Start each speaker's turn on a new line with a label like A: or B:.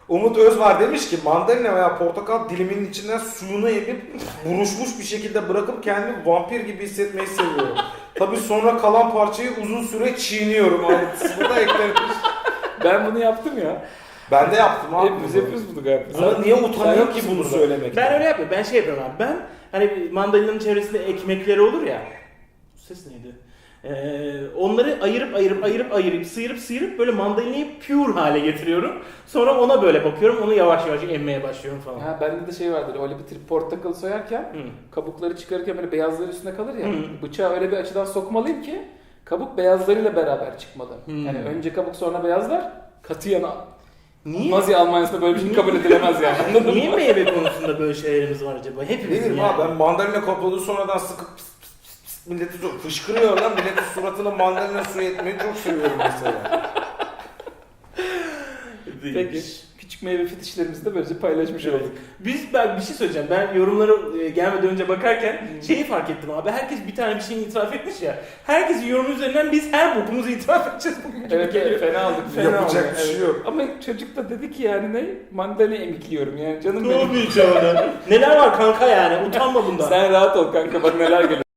A: Umut Özvar demiş ki mandalina veya portakal diliminin içinden suyunu emip buruşmuş bir şekilde bırakıp kendimi vampir gibi hissetmeyi seviyorum. Tabii sonra kalan parçayı uzun süre çiğniyorum. Ayrıntısını da eklemiş.
B: Ben bunu yaptım ya.
A: Ben de yaptım abi.
B: Hepimiz yapıyoruz bunu galiba.
A: Ama niye utanıyor ki
B: yoksun
A: bunu
B: burada.
A: söylemekten?
C: Ben öyle yapıyorum. Ben şey yapıyorum abi. Ben hani mandalinanın çevresinde ekmekleri olur ya. Bu ses neydi? Onları ayırıp sıyırıp böyle mandalinayı pure hale getiriyorum. Sonra ona böyle bakıyorum. Onu yavaş yavaş emmeye başlıyorum falan.
B: Ha, bende de şey vardır. Öyle bir portakalı soyarken
C: Hı.
B: kabukları çıkarırken böyle beyazları üstüne kalır ya.
C: Hı.
B: Bıçağı öyle bir açıdan sokmalıyım ki kabuk beyazlarıyla beraber çıkmalı.
C: Hı.
B: Yani önce kabuk sonra beyazlar katiyen
C: Niye?
B: Nazi Almanya'sında böyle bir şey kabul edilemez yani. Anladın mı?
C: Niye meyve konusunda böyle şeylerimiz var acaba? Hepimizin
A: Bilmiyorum
C: yani.
A: abi, ben mandalina kabuğunu sonradan sıkıp pıs pıs pıs pıs milleti fışkırıyor lan. Milletin suratına mandalina suyu etmeyi çok seviyorum mesela.
B: Peki. Küçük meyve fetişlerimizi de böylece paylaşmış
C: Evet.
B: olduk.
C: Ben bir şey söyleyeceğim. Ben yorumlara gelmeden önce bakarken şeyi fark ettim abi. Herkes bir tane bir şeyini itiraf etmiş ya. Herkesin yorumu üzerinden biz her bokumuzu itiraf edeceğiz bugün. gibi
B: Evet,
C: geliyor.
B: fena aldık.
A: Yapacak
B: aldık,
A: bir şey yok.
B: Ama çocuk da dedi ki yani ne? Mandalina emikliyorum yani canım benim.
C: Neler var kanka yani? Utanma bundan.
B: Sen rahat ol kanka bak neler geliyor.